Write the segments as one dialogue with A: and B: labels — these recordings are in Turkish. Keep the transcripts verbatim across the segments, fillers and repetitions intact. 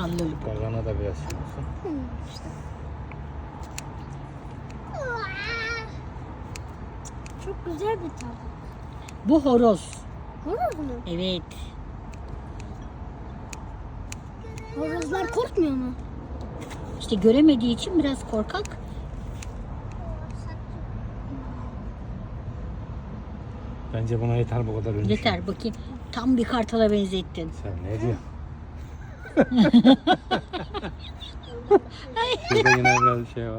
A: kanlılık.
B: Gagana da biraz şey olsun.
C: İşte. Çok güzel bir tat.
A: Bu horoz.
C: Horoz mu?
A: Evet.
C: Horozlar korkmuyor mu?
A: İşte göremediği için biraz korkak.
B: Bence buna yeter bu kadar önce.
A: Yeter bakayım. Tam bir kartala benzettin.
B: Sen ne diyorsun? Burada yine biraz bir şey var.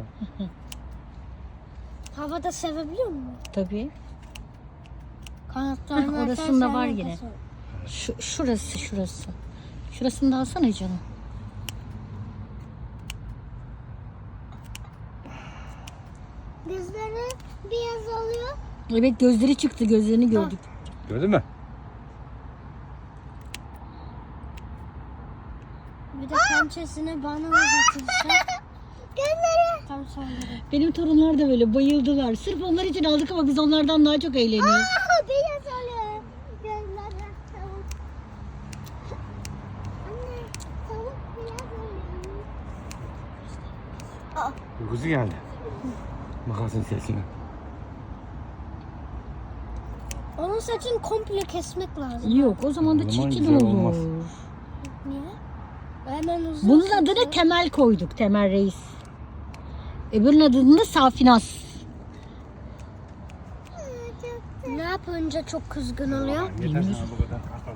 C: Havada sevebiliyor mu?
A: Tabii.
C: Kanatlarını
A: Hah, orasında var yine. Şu, şurası şurası. Şurasını da alsana canım.
C: Gözleri beyaz oluyor.
A: Evet gözleri çıktı, gözlerini gördük.
B: Gördün mü?
C: Bir de pençesini bana uzatırsa. Gözleri. Tam sonları.
A: Benim torunlar da böyle bayıldılar. Sırf onlar için aldık ama biz onlardan daha çok eğleniyoruz.
C: Aa, beyaz oluyor. Gözleri tavuk. Anne tavuk beyaz oluyor. Aa.
B: Uykusu geldi. Makasın sesine.
C: Onun saçını komple kesmek lazım.
A: Yok o zaman da
B: O zaman
A: çirkin
B: güzel
A: olur.
B: olmaz.
C: Niye? Hemen uzun.
A: Bunun adına Temel koyduk. Temel Reis. Öbürünün adını da Safinas.
C: Ne yapınca çok kızgın oluyor?
B: Yeter sana bu kadar.